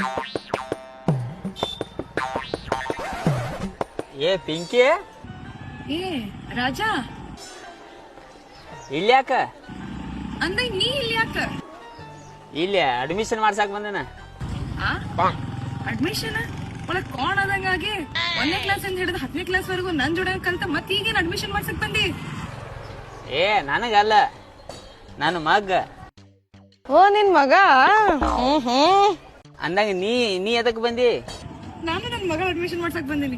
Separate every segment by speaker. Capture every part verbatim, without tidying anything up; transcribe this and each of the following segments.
Speaker 1: ಏ ಪಿಂಕಿ,
Speaker 2: ಏ ರಾಜಾ,
Speaker 1: ಇಲ್ಯಾಕ?
Speaker 2: ಅಂದ ನೀ ಇಲ್ಲಿ ಯಾಕ?
Speaker 1: ಇಲ್ಲಿ ಅಡ್ಮಿಷನ್ ಮಾಡ್ಸಾಕ್ ಬಂದನ.
Speaker 2: ಅಡ್ಮಿಷನ್ ಒಳಗ್ ಕೋಣ ಆದಂಗಾಗಿ ಒಂದನೇ ಕ್ಲಾಸ್ ಇಂದ ಹಿಡಿದು ಹತ್ತನೇ ಕ್ಲಾಸ್ ವರೆಗೂ ನನ್ ಜೋಡ ಕಲ್ತ ಮತ್ ಈಗೇನ್ ಅಡ್ಮಿಷನ್ ಮಾಡ್ಸಕ್ ಬಂದಿ?
Speaker 1: ಏ ನನಗಲ್ಲ, ನನ್ನ ಮಗ.
Speaker 3: ಓ ನಿನ್ ಮಗ? ಹ್ಮ್ ಹ್ಮ್
Speaker 1: ಅಂದಾಗ ನೀ ನೀ ಎದಕ್ ಬಂದಿ?
Speaker 2: ನಾನು ನನ್ ಮಗ ಅಡ್ಮಿಷನ್ ಮಾಡ್ಸಕ್ ಬಂದಿನಿ.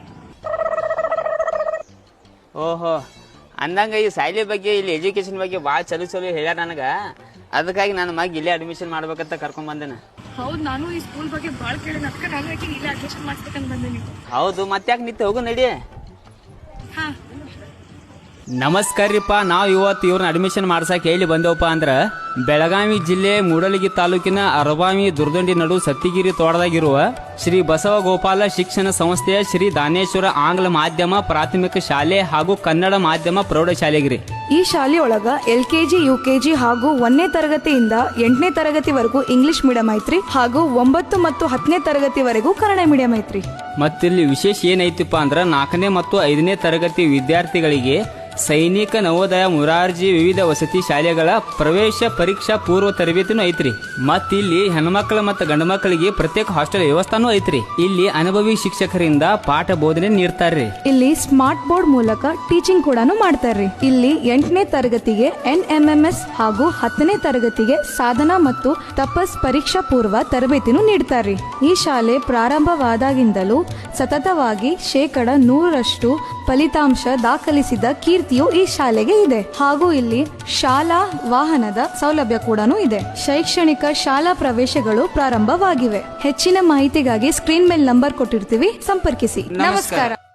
Speaker 1: ಓಹೋ, ಅಂದಂಗ ಈ ಶಾಲೆ ಬಗ್ಗೆ, ಇಲ್ಲಿ ಎಜುಕೇಶನ್ ಬಗ್ಗೆ ಭಾಳ ಚಲೋ ಚಲೋ ಹೇಳ್ಯಾರ ನನಗ. ಅದಕ್ಕಾಗಿ ನನ್ನ ಮಗ ಇಲ್ಲೇ ಅಡ್ಮಿಷನ್ ಮಾಡ್ಬೇಕಂತ ಕರ್ಕೊಂಡ್ ಬಂದೇನ.
Speaker 2: ಹೌದ್, ನಾನು ಈ ಸ್ಕೂಲ್ ಬಗ್ಗೆ ಬಾಳ ಕೇಳಿ ಅದಕ್ಕ ನಾನು ಯಾಕೆ ಇಲ್ಲೇ ಅಡ್ಮಿಷನ್ ಮಾಡ್ಸ್ಬೇಕಂತ ಬಂದಿನಿ.
Speaker 1: ಹೌದು, ಮತ್ತ್ಯಾಕೆ ನಿಂತು ಹೋಗು ನಡಿ.
Speaker 2: ಹಾ
Speaker 4: ನಮಸ್ಕಾರಪ್ಪ. ನಾವು ಇವತ್ತು ಇವ್ರನ್ನ ಅಡ್ಮಿಷನ್ ಮಾಡ್ಸಕ್ಕೆ ಹೇಳಿ ಬಂದೇವಪ್ಪ ಅಂದ್ರೆ ಬೆಳಗಾವಿ ಜಿಲ್ಲೆ ಮೂಡಲಗಿ ತಾಲೂಕಿನ ಅರಬಾವಿ ದುರ್ದಂಡಿ ನಡು ಸತ್ತಿಗಿರಿ ತೋಟದಾಗಿರುವ ಶ್ರೀ ಬಸವಗೋಪಾಲ ಶಿಕ್ಷಣ ಸಂಸ್ಥೆಯ ಶ್ರೀ ದಾನೇಶ್ವರ ಆಂಗ್ಲ ಮಾಧ್ಯಮ ಪ್ರಾಥಮಿಕ ಶಾಲೆ ಹಾಗೂ ಕನ್ನಡ ಮಾಧ್ಯಮ ಪ್ರೌಢಶಾಲೆಗಿರಿ.
Speaker 5: ಈ ಶಾಲೆಯೊಳಗ ಎಲ್ ಕೆಜಿ ಯು ಕೆಜಿ ಹಾಗೂ ಒಂದನೇ ತರಗತಿಯಿಂದ ಎಂಟನೇ ತರಗತಿವರೆಗೂ ಇಂಗ್ಲಿಷ್ ಮೀಡಿಯಂ ಐತ್ರಿ, ಹಾಗೂ ಒಂಬತ್ತು ಮತ್ತು ಹತ್ತನೇ ತರಗತಿವರೆಗೂ ಕನ್ನಡ ಮೀಡಿಯಂ ಐತ್ರಿ.
Speaker 4: ಮತ್ತಿಲ್ಲಿ ವಿಶೇಷ ಏನೈತಿಪ್ಪ ಅಂದ್ರೆ ನಾಲ್ಕನೇ ಮತ್ತು ಐದನೇ ತರಗತಿ ವಿದ್ಯಾರ್ಥಿಗಳಿಗೆ ಸೈನಿಕ, ನವೋದಯ, ಮುರಾರ್ಜಿ ವಿವಿಧ ವಸತಿ ಶಾಲೆಗಳ ಪ್ರವೇಶ ಪರೀಕ್ಷಾ ಪೂರ್ವ ತರಬೇತಿನೂ ಐತ್ರಿ. ಮತ್ ಇಲ್ಲಿ ಹೆಣ್ಮಕ್ಳ ಮತ್ತು ಗಂಡು ಮಕ್ಕಳಿಗೆ ಪ್ರತ್ಯೇಕ ಹಾಸ್ಟೆಲ್ ವ್ಯವಸ್ಥಾನೂ ಐತ್ರಿ. ಇಲ್ಲಿ ಅನುಭವಿ ಶಿಕ್ಷಕರಿಂದ ಪಾಠ ಬೋಧನೆ ನೀಡ್ತಾರ್ರಿ.
Speaker 5: ಇಲ್ಲಿ ಸ್ಮಾರ್ಟ್ ಬೋರ್ಡ್ ಮೂಲಕ ಟೀಚಿಂಗ್ ಕೂಡ ಮಾಡ್ತಾರ್ರಿ. ಇಲ್ಲಿ ಎಂಟನೇ ತರಗತಿಗೆ ಎನ್ ಎಂ ಎಂ ಎಸ್ ಹಾಗೂ ಹತ್ತನೇ ತರಗತಿಗೆ ಸಾಧನಾ ಮತ್ತು ತಪಸ್ ಪರೀಕ್ಷಾ ಪೂರ್ವ ತರಬೇತಿನೂ ನೀಡ್ತಾರ್ರಿ. ಈ ಶಾಲೆ ಪ್ರಾರಂಭವಾದಾಗಿಂದಲೂ ಸತತವಾಗಿ ಶೇಕಡ ನೂರರಷ್ಟು ಫಲಿತಾಂಶ ದಾಖಲಿಸಿದ ಕೀರ್ತಿಯು ಈ ಶಾಲೆಗೆ ಇದೆ. ಹಾಗೂ ಇಲ್ಲಿ ಶಾಲಾ ವಾಹನದ ಸೌಲಭ್ಯ ಕೂಡ ಇದೆ. ಶೈಕ್ಷಣಿಕ ಶಾಲಾ ಪ್ರವೇಶಗಳು ಪ್ರಾರಂಭವಾಗಿವೆ. ಹೆಚ್ಚಿನ ಮಾಹಿತಿಗಾಗಿ ಸ್ಕ್ರೀನ್ ಮೇಲೆ ನಂಬರ್ ಕೊಟ್ಟಿರ್ತೀವಿ, ಸಂಪರ್ಕಿಸಿ. ನಮಸ್ಕಾರ.